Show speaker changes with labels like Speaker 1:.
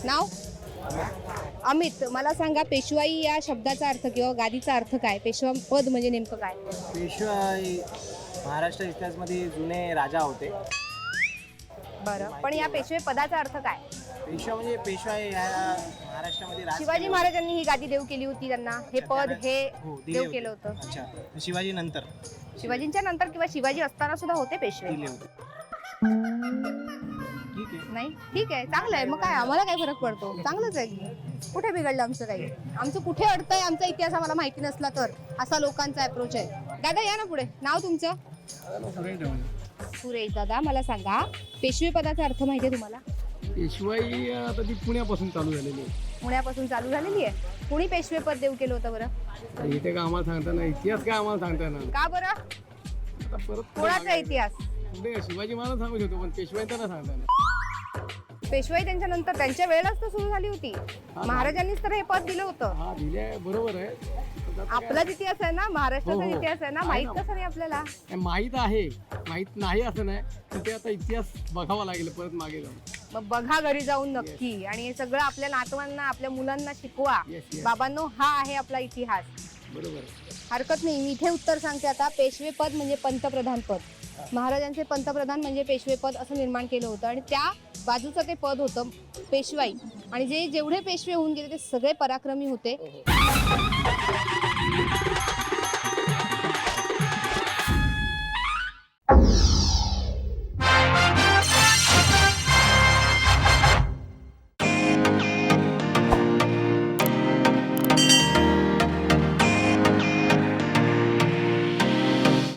Speaker 1: नाव अमित. मला सांगा पेशवाई या शब्दाचा अर्थ किंवा गादीचा अर्थ काय? पेशवा पद म्हणजे नेमकं काय?
Speaker 2: पेशवाई महाराष्ट्र इतिहासामध्ये जुने राजा होते.
Speaker 1: बरं, पण या पेशवे पदाचा अर्थ काय?
Speaker 2: पेशवा म्हणजे पेशवाई ह्या महाराष्ट्रामध्ये राज
Speaker 1: शिवाजी
Speaker 2: केलं
Speaker 1: महाराजांनी ही गादी देऊ केली होती त्यांना. हे
Speaker 2: होतं.
Speaker 1: पद हे
Speaker 2: हो, दिले
Speaker 1: देऊ
Speaker 2: होते.
Speaker 1: केलं होतं.
Speaker 2: अच्छा, शिवाजी नंतर
Speaker 1: शिवाजींच्या नंतर किंवा शिवाजी असताना सुद्धा होते पेशवे?
Speaker 2: दिले होते. ठीक आहे.
Speaker 1: नाही, ठीक आहे, चांगलं आहे. मग काय, आम्हाला काय फरक पडतो? चांगलंच आहे. कुठे बिघडलं आमचं काही? आमचं कुठे अडतंय आमचा इतिहास आम्हाला माहिती नसला तर? असा लोकांचा अप्रोच आहे. दादा या ना पुढे. नाव तुमचं? सुरेश. दादा मला सांगा, पेशवे पदाचा अर्थ माहिती आहे तुम्हाला?
Speaker 3: पेशवाई आता ती पुण्यापासून चालू झालेली आहे.
Speaker 1: पुण्यापासून चालू झालेली आहे. कुणी पेशवे पद देऊ केलं होतं बरं?
Speaker 3: तर इथे काय आम्हाला सांगता ना, इतिहास काय आम्हाला सांगता ना.
Speaker 1: का बरं?
Speaker 3: आता परत
Speaker 1: कोणाचा इतिहास?
Speaker 3: पुढे शिवाजी महाराज सांगत होतो, पण पेशवाईंचा ना सांगता ना.
Speaker 1: पेशवाई त्यांच्या नंतर त्यांच्या वेळेलाच तर सुरू झाली होती. महाराजांनीच तर हे पद दिलं होतं.
Speaker 3: हा दिले बरोबर आहे. पण आता
Speaker 1: आपलाच इतिहास आहे ना, महाराष्ट्राचा
Speaker 3: हो, हो.
Speaker 1: इतिहास आहे ना,
Speaker 3: आहे
Speaker 1: माहित
Speaker 3: ना.
Speaker 1: कसं नाही आपल्याला?
Speaker 3: काय माहीत आहे, माहीत नाही असं नाही, तर ते आता इतिहास बघावा लागेल परत मागे जाऊन.
Speaker 1: मग बघा घरी जाऊन नक्की. आणि हे सगळं आपल्या नातवांना, आपल्या मुलांना शिकवा.
Speaker 3: Yes, yes.
Speaker 1: बाबांनो, हा आहे आपला इतिहास.
Speaker 3: बरोबर आहे.
Speaker 1: हरकत नाही. मी इथे उत्तर सांगते आता. पेशवे पद म्हणजे पंतप्रधान पद. महाराजांचे पंतप्रधान म्हणजे पेशवे पद असं निर्माण केलं होतं. आणि त्या बाजूचं ते पद होतं पेशवाई. आणि जेवढे पेशवे होऊन गेले ते सगळे पराक्रमी होते.